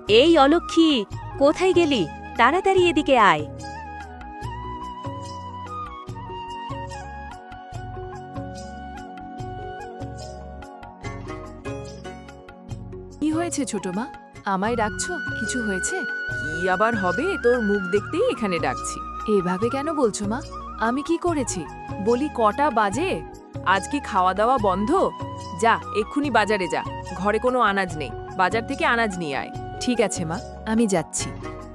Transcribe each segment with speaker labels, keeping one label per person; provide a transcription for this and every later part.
Speaker 1: এই অলক্ষী, কোথায় গেলি? তাড়াতাড়ি এদিকে আয়।
Speaker 2: কি হয়েছে ছোট মা? আমায় ডাকছো? কিছু হয়েছে? কি আবার হবে, তোর মুখ দেখতেই এখানে ডাকছি। এভাবে কেন বলছো মা? আমি কি করেছি? বলি কটা বাজে? আজ কি খাওয়া দাওয়া বন্ধ? যা এক্ষুনি বাজারে যা, ঘরে কোনো আনাজ নেই, বাজার থেকে আনাজ নিয়ে আয়। ঠিক আছে মা, আমি যাচ্ছি।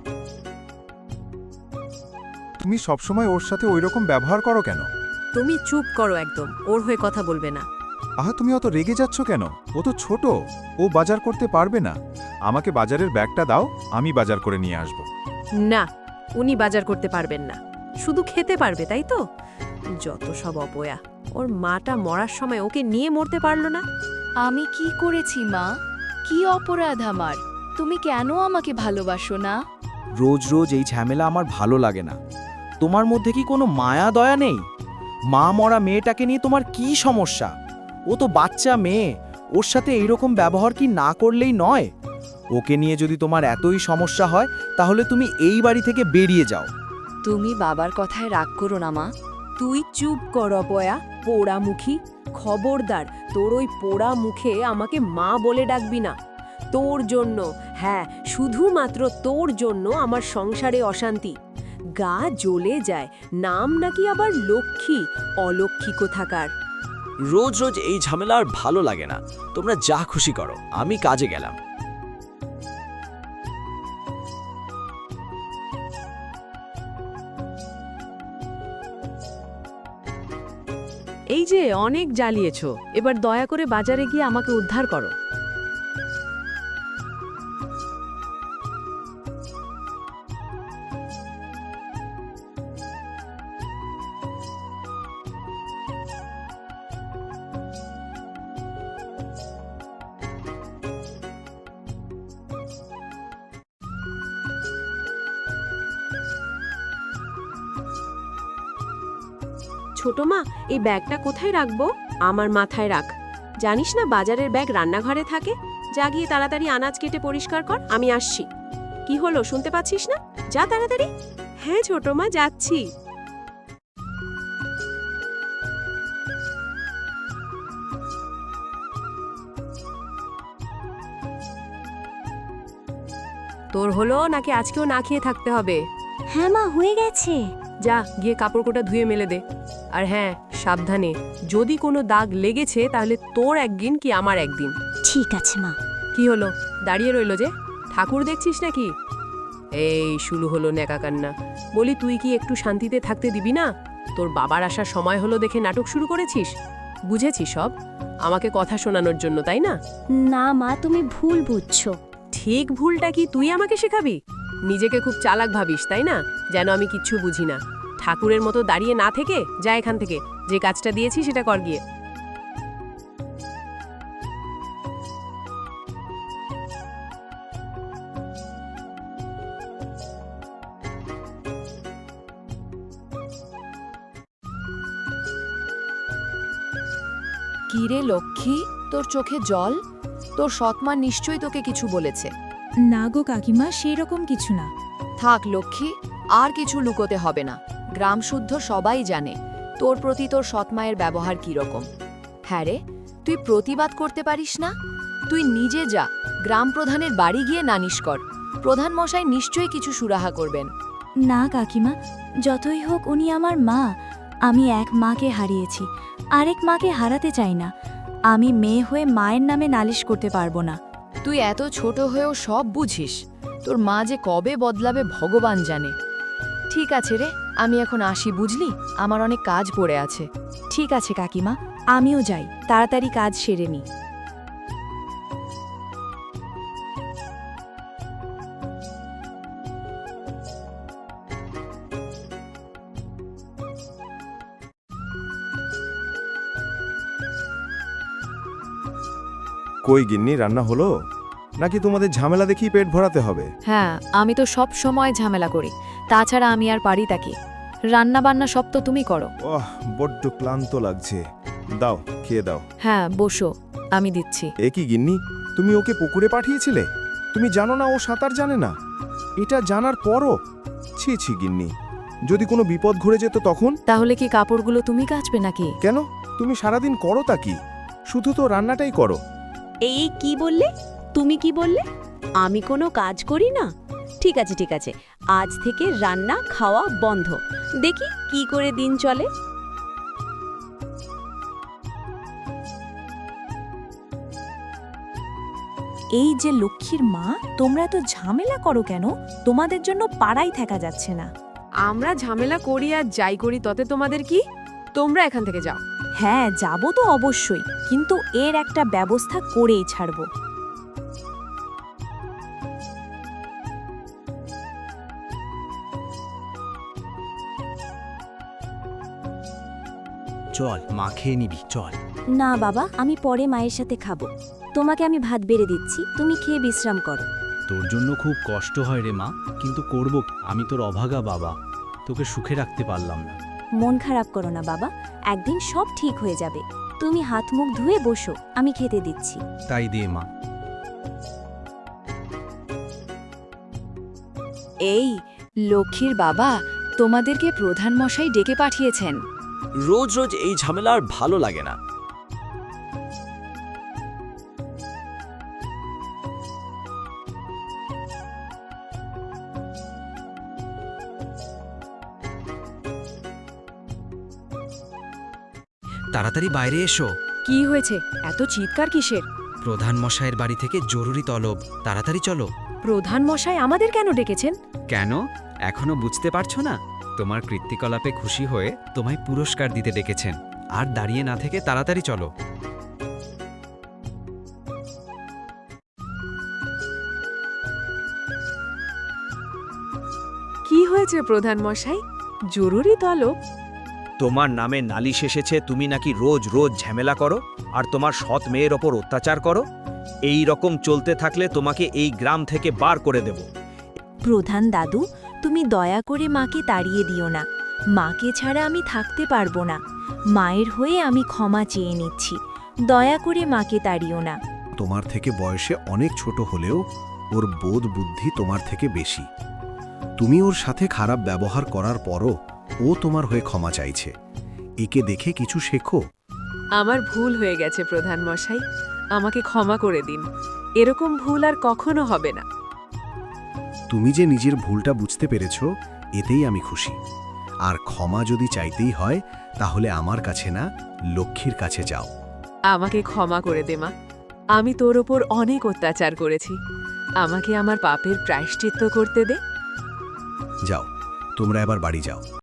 Speaker 3: তুমি সবসময় ওর সাথে ওইরকম ব্যবহার করো কেন?
Speaker 1: তুমি চুপ করো একদম, ওর হয়ে কথা বলবে না।
Speaker 3: আহা, তুমি অত রেগে যাচ্ছ কেন? ও তো ছোট, ও বাজার করতে পারবে না। আমাকে বাজারের ব্যাগটা দাও, আমি বাজার করে নিয়ে আসব।
Speaker 1: না, উনি বাজার করতে পারবেন না, শুধু খেতে পারবে, তাই তো? যত সব অপয়া। ওর মাটা মরার সময় ওকে নিয়ে মরতে পারলো না।
Speaker 4: আমি কি করেছি মা? কি অপরাধ আমার? তুমি কেন আমাকে ভালোবাসো না?
Speaker 5: রোজ রোজ এই ঝামেলা আমার ভালো লাগে না। তোমার মধ্যে কি কোনো মায়া দয়া নেই? মা মরা মেয়েটাকে নিয়ে তোমার কি সমস্যা? ও তো বাচ্চা মেয়ে, ওর সাথে এইরকম ব্যবহার কি না করলেই নয়? ওকে নিয়ে যদি তোমার এতই সমস্যা হয়, তাহলে তুমি এই বাড়ি থেকে বেরিয়ে যাও।
Speaker 4: তুমি বাবার কথায় রাগ করো না মা।
Speaker 1: তুই চুপ কর অপয়া, পোড়ামুখী। খবরদার, তোর ওই পোড়া মুখে আমাকে মা বলে ডাকবি না। তোর জন্য, হ্যাঁ শুধুমাত্র তোর জন্য আমার সংসারে অশান্তি। গা জ্বলে যায়, নাম নাকি আবার লক্ষ্মী। অলক্ষ্মী কোথাকার।
Speaker 6: রোজ রোজ এই ঝামেলা আর ভালো লাগে না। তোমরা যা খুশি করো, আমি কাজে গেলাম।
Speaker 1: এই যে অনেক জ্বালিয়েছো, এবার দয়া করে বাজারে গিয়ে আমাকে উদ্ধার করো। ছোট মা, এই ব্যাগটা কোথায় রাখবো? আমার মাথায় রাখ। জানিস না বাজারের ব্যাগ রান্নাঘরে থাকে। যা গিয়ে তাড়াতাড়ি আনাজ কেটে পরিষ্কার কর, আমি আসছি। কি হলো, শুনতে পাচ্ছিস না? যা তাড়াতাড়ি। হ্যাঁ ছোট মা, যাচ্ছি। তোর হলো নাকি আজকেও না খেয়ে থাকতে হবে?
Speaker 7: হ্যাঁ মা, হয়ে গেছে।
Speaker 1: যা গিয়ে কাপড়-কোটা ধুয়ে মেলে দে। আর হ্যাঁ, সাবধানে, যদি কোনো দাগ লেগেছে তাহলে তোর একদিন কি আমার একদিন।
Speaker 7: ঠিক আছে মা।
Speaker 1: কি হলো, দাঁড়িয়ে রইলো যে? ঠাকুর দেখছিস নাকি? এই শুরু হলো নেকা কান্না। বলি তুই কি একটু শান্তিতে থাকতে দিবি না? তোর বাবার আসার সময় হলো দেখে নাটক শুরু করেছিস। বুঝেছি সব, আমাকে কথা শোনানোর জন্য, তাই না?
Speaker 7: না মা, তুমি ভুল বুঝছো।
Speaker 1: ঠিক ভুলটা কি তুই আমাকে শেখাবি? নিজেকে খুব চালাক ভাবিস, তাই না? যেন আমি কিচ্ছু বুঝি না। ঠাকুরের মতো দাঁড়িয়ে না থেকে যা এখান থেকে, যে কাজটা দিয়েছি সেটা কর গিয়ে।
Speaker 4: কি রে লক্ষ্মী, তোর চোখে জল? তোর সৎমা নিশ্চয়ই তোকে কিছু বলেছে।
Speaker 8: না গো কাকিমা, সেই রকম কিছু না।
Speaker 4: থাক লক্ষ্মী, আর কিছু লুকোতে হবে না। গ্রাম শুদ্ধ সবাই জানে তোর প্রতি তোর সৎমায়ের ব্যবহার কি রকম। হ্যাঁ রে, তুই প্রতিবাদ করতে পারিস না? তুই নিজে যা, গ্রাম প্রধানের বাড়ি গিয়ে নালিশ কর। প্রধান মশাই নিশ্চয়ই কিছু সুরাহা করবেন।
Speaker 7: না কাকিমা, যতই হোক উনি আমার মা। আমি এক মাকে হারিয়েছি, আরেক মাকে হারাতে চাই না। আমি মেয়ে হয়ে মায়ের নামে নালিশ করতে পারবো না।
Speaker 4: তুই এত ছোট হয়েও সব বুঝিস। তোর মা যে কবে বদলাবে ভগবান জানে। ঠিক আছে রে, আমি এখন আসি, বুঝলি? আমার অনেক কাজ পড়ে আছে।
Speaker 7: ঠিক আছে কাকিমা, আমিও যাই, তাড়াতাড়ি কাজ সেরে নি।
Speaker 3: কই গিন্নি, রান্না হলো নাকি তোমাদের ঝামেলা দেখি পেট ভরাতে হবে?
Speaker 4: হ্যাঁ, আমি তো সব সময় ঝামেলা করি, তাছাড়া আমি আর পারি তা কি? রান্না বান্না সব তো তুমি করো।
Speaker 3: ওহ, বড্ড ক্লান্ত লাগছে। দাও, খেয়ে দাও।
Speaker 4: হ্যাঁ বসো, আমি দিচ্ছি।
Speaker 3: এ কি গিন্নি, তুমি ওকে পুকুরে পাঠিয়েছিলে?
Speaker 9: তুমি জানো না ও সাঁতার জানে না? এটা জানার পরও ছি ছি গিন্নি, যদি কোনো বিপদ ঘুরে যেত তখন?
Speaker 4: তাহলে কি কাপড়গুলো তুমি কাচবে নাকি?
Speaker 9: কেন, তুমি সারাদিন করো তা কি? শুধু তো রান্নাটাই করো।
Speaker 1: এই কি বললে? তুমি কি বললে? আমি কোনো কাজ করি না? ঠিক আছে ঠিক আছে, আজ থেকে রান্না খাওয়া বন্ধ। দেখি কি করে দিন চলে।
Speaker 8: এই যে লক্ষ্মীর মা, তোমরা তো ঝামেলা করো কেন? তোমাদের জন্য পাড়ায় থাকা যাচ্ছে না।
Speaker 2: আমরা ঝামেলা করি আর যাই করি তাতে তোমাদের কি? তোমরা এখান থেকে যাও।
Speaker 8: হ্যাঁ, যাব তো অবশ্যই, কিন্তু এর একটা ব্যবস্থা করেই ছাড়ব।
Speaker 6: চল, মা খেয়ে নিবি, চল।
Speaker 7: না বাবা, আমি পরে মায়ের সাথে খাবো। তোমাকে আমি ভাত বেড়ে দিচ্ছি, তুমি খেয়ে বিশ্রাম করো।
Speaker 10: তোর জন্য খুব কষ্ট হয় রে মা, কিন্তু করব কি? আমি তোর অভাগা বাবা, তোকে সুখে রাখতে পারলাম না।
Speaker 7: মন খারাপ করো না বাবা, একদিন সব ঠিক হয়ে যাবে। তুমি হাত মুখ ধুয়ে বসো, আমি খেতে দিচ্ছি।
Speaker 10: তাই দে মা।
Speaker 4: এই লক্ষ্মীর বাবা, তোমাদেরকে প্রধান মশাই ডেকে পাঠিয়েছেন।
Speaker 6: রোজ রোজ এই ঝামেলা আর ভালো লাগে না।
Speaker 11: তাড়াতাড়ি বাইরে এসো।
Speaker 2: কি হয়েছে? এত চিৎকার কিসের?
Speaker 11: প্রধান মশাইয়ের বাড়ি থেকে জরুরি তলব, তাড়াতাড়ি চলো।
Speaker 2: প্রধান মশাই আমাদের কেন ডেকেছেন?
Speaker 11: কেন এখনো বুঝতে পারছো না? তোমার কৃত্তিকলাপে খুশি হয়ে তোমায় পুরস্কার দিতে ডেকেছেন। আর দাঁড়িয়ে না থেকে তাড়াতাড়ি চলো।
Speaker 2: কি হয়েছে প্রধান মশাই? জরুরি তলব?
Speaker 5: তোমার নামে নালিশ এসেছে, তুমি নাকি রোজ রোজ ঝামেলা করো আর তোমার সৎ মেয়ের ওপর অত্যাচার করো। এই রকম চলতে থাকলে তোমাকে এই গ্রাম থেকে বার করে দেব।
Speaker 7: প্রধান দাদু, তুমি দয়া করে মাকে তাড়িয়ে দিও না। মাকে ছাড়া আমি থাকতে পারবো না। মায়ের হয়ে আমি ক্ষমা চেয়ে নিচ্ছি। দয়া করে মাকে তাড়িও না।
Speaker 9: তোমার থেকে বয়সে অনেক ছোট হলেও ওর বোধ বুদ্ধি তোমার থেকে বেশি। তুমি ওর সাথে খারাপ ব্যবহার করার পরও ও তোমার হয়ে ক্ষমা চাইছে। একে দেখে কিছু শেখো।
Speaker 2: আমার ভুল হয়ে গেছে প্রধান মশাই, আমাকে ক্ষমা করে দিন। এরকম ভুল আর কখনো হবে না।
Speaker 9: তুমি যে নিজের ভুলটা বুঝতে পেরেছ, এতেই আমি খুশি। আর ক্ষমা যদি চাইতেই হয়, তাহলে আমার কাছে না, লক্ষ্মীর কাছে যাও।
Speaker 2: আমাকে ক্ষমা করে দে মা, আমি তোর ওপর অনেক অত্যাচার করেছি। আমাকে আমার পাপের প্রায়শ্চিত্ত করতে দে।
Speaker 9: যাও, তোমরা এবার বাড়ি যাও।